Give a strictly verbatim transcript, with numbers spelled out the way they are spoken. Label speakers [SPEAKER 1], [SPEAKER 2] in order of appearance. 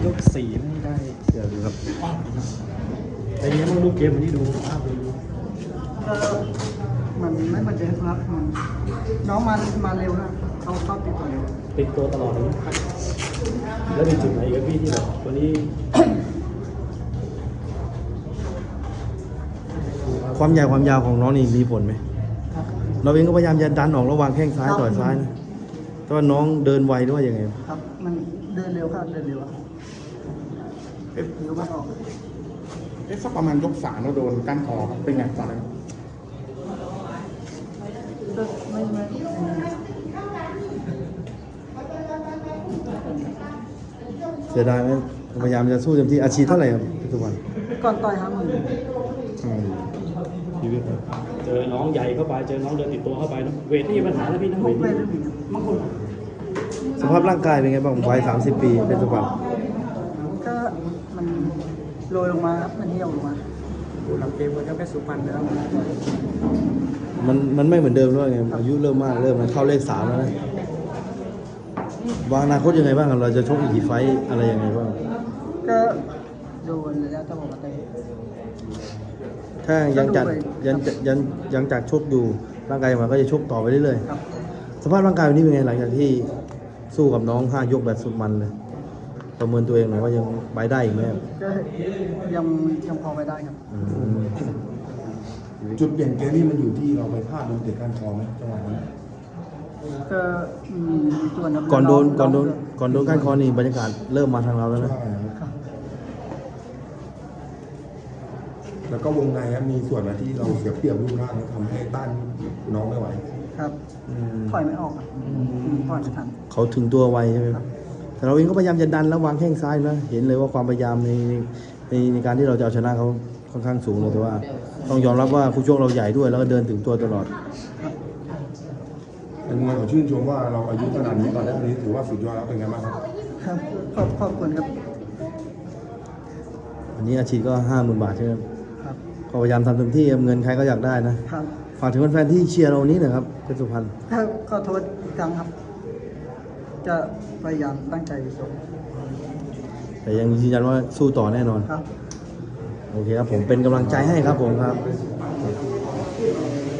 [SPEAKER 1] ยกสี่ไม่ได้
[SPEAKER 2] เดี๋ยวดูครับ
[SPEAKER 1] ไอ้เนี้ยมันดูเกมวันนี้ดูภาพดู
[SPEAKER 3] ก็มันไม่เหมือนเดิมครับมันน้องมามาเร็วนะเขาชอบติดต่อเร็ว
[SPEAKER 1] ติดตัวตลอดเลยแล้วมีจุดไหนกับพี่ที่แบบวันนี้
[SPEAKER 2] ความใหญ่ความยาวของน้องนี่มีผลไหม
[SPEAKER 3] ครับ
[SPEAKER 2] เราเองก็พยายามจะดันออกระหว่างแข้งซ้ายต่อยซ้ายนะแต่ว่าน้องเดินไวด้วยยังไง
[SPEAKER 3] ครับมันเดินเร็วครับเดินเร็วอะ
[SPEAKER 4] เอ๊ะ
[SPEAKER 3] เร็วไม่ออก
[SPEAKER 4] เอ๊ะสักประมาณยกสามเราโดนก้านคอครับเป็นไงตอนนั้น
[SPEAKER 3] ก็ไม่ไม่ไม่
[SPEAKER 2] เสียดายไหมพยายามจะสู้เต็มที่อาชีพเท่าไหร่ครับทุกวัน
[SPEAKER 3] ก่อนต่อยห้าหมื่น
[SPEAKER 2] อืมชีวิตครับ
[SPEAKER 1] เจอน้องใหญ่เข้าไปเจอน้องเดินติดตัวเข้าไปเนอะเวทนี่มีปัญหาแล้วพี่นะ
[SPEAKER 3] มุ
[SPEAKER 1] เว
[SPEAKER 3] ก
[SPEAKER 1] ท
[SPEAKER 3] เว
[SPEAKER 1] นี่
[SPEAKER 3] ทไม่มีบางคน
[SPEAKER 2] สภาพร่างกายเป็นไงบ้างวัยสามสิบปีเป็นสุพรรณ
[SPEAKER 3] ก็มันโรยลงมาครับมันเหี่ยวลงมาหลังเกมมันก็แค่สุพรรณแล้ว
[SPEAKER 2] มันมันไม่เหมือนเดิมด้วยไงอายุเริ่มมากเริ่มมันเข้าเลขสามแล้วนะวางอนาคตยังไงบ้างครับเราจะชกอีกกี่ไฟต์อะไรยังไงบ้าง
[SPEAKER 3] ก็โดนแล้วจะบอกว่าเตะ
[SPEAKER 2] ถ้ายังจัดยังยังยังจัดชกอยู่ร่างกายมันก็จะชกต่อไปเรื่อย
[SPEAKER 3] ครับ
[SPEAKER 2] ๆสภาพร่างกายวันนี้เป็นไงหลังจากที่สู้กับน้องห้ายกแบบสุดมันเลยประเมินตัวเองหน่อยว่ายังไปได้อีกไหมครับ
[SPEAKER 3] ก็ยังยังพอไปได้ครับ
[SPEAKER 2] อืม
[SPEAKER 5] จุดเปลี่ยนเกมนี่มันอยู่ที่เราไปพลาดโดนเตะก้านคอไหมจังหวะนั้น
[SPEAKER 3] ก็มีส่วน
[SPEAKER 2] ก่อนโดนก่อนโดนก่อนโดนก้านคอนี่บรรยากาศเริ่มมาทางเราแล้วนะ
[SPEAKER 5] ใช่ครับ
[SPEAKER 3] ครับ
[SPEAKER 5] แล้วก็วงในครับมีส่วนไหนที่เราเสียเปรียบรูปร่างแล้วทำให้ต้านน้องไม่ไหว
[SPEAKER 3] ครับ
[SPEAKER 2] อืม
[SPEAKER 3] ถอยไม่ออกครับถอยไม่ทัน
[SPEAKER 2] เขาถึงตัวไวใช่ไหมครับแต่เราเองก็พยายามจะดันแล้ววางแข้งซ้ายนะเห็นเลยว่าความพยายามในในในการที่เราจะเอาชนะเขาค่อนข้างสูงเลยแต่ว่า ต้องยอมรับว่าคู่ชกเราใหญ่ด้วยแล้วก็เดินถึงตัวตลอด
[SPEAKER 5] เป็นไงผมชื่นชมว่าเราอายุขนาดนี้ตอนแรกนี้ถือว่าสุดยอดแล้วเป็นไงบ้างครับ
[SPEAKER 3] ครับขอบขอบคุณครับ
[SPEAKER 2] อันนี้อาชีพก็ห้าหมื่นบาทใช่ไหมครับ
[SPEAKER 3] ครับ
[SPEAKER 2] ก็พยายามทำเต็มที่ครับเงินใครก็อยากได้นะครับ ฝากถึงแฟนๆที่เชียร์เรานี้หนะครับเพชรสุพรรณ
[SPEAKER 3] ถ้าขอโทษอีกครั้งครับ จะพยายามตั้งใจส่ง
[SPEAKER 2] แต่ยังยืนยันว่าสู้ต่อแน่นอน
[SPEAKER 3] ครับ
[SPEAKER 2] โอเคครับผมเป็นกำลังใจให้ครับผมครับ